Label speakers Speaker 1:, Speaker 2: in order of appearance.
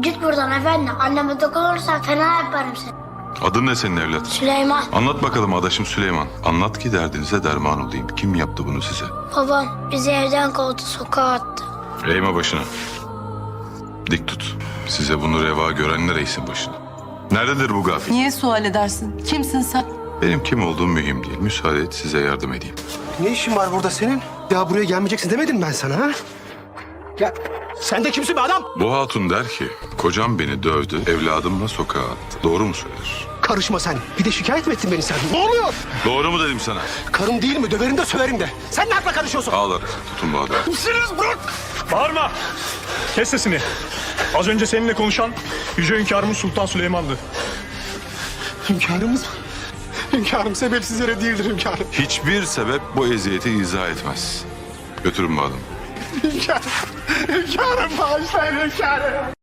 Speaker 1: Git buradan efendi. Anneme dokunursan fena yaparım seni.
Speaker 2: Adın ne senin evlat?
Speaker 1: Süleyman.
Speaker 2: Anlat bakalım adaşım Süleyman. Anlat ki derdinize derman olayım. Kim yaptı bunu size?
Speaker 1: Babam bizi evden kovdu, sokağa attı.
Speaker 2: Eğme başına. Dik tut. Size bunu reva görenler eğsin başına. Nerededir bu gafil?
Speaker 3: Niye sual edersin? Kimsin sen?
Speaker 2: Benim kim olduğum mühim değil. Müsaade et size yardım edeyim.
Speaker 4: Ne işin var burada senin? Ya buraya gelmeyeceksin demedim ben sana ha? Ya sen de kimsin be adam?
Speaker 2: Bu hatun der ki kocam beni dövdü, evladımla sokağa attı. Doğru mu söyler?
Speaker 4: Karışma sen. Bir de şikayet mi ettin beni sen? Ne oluyor?
Speaker 2: Doğru mu dedim sana?
Speaker 4: Karım değil mi? Döverim de söverim de. Sen ne akla karışıyorsun?
Speaker 2: Ağlar. Tutun bu adamı.
Speaker 4: Misiniz bırak?
Speaker 5: Bağırma! Kes sesini. Az önce seninle konuşan Yüce Hünkârımız Sultan Süleyman'dı.
Speaker 4: Hünkârımız mı? Hünkârım sebepsiz yere değildir hünkârım.
Speaker 2: Hiçbir sebep bu eziyeti izah etmez. Götürün bu adamı.
Speaker 4: Hünkârım bağışlayın hünkârım.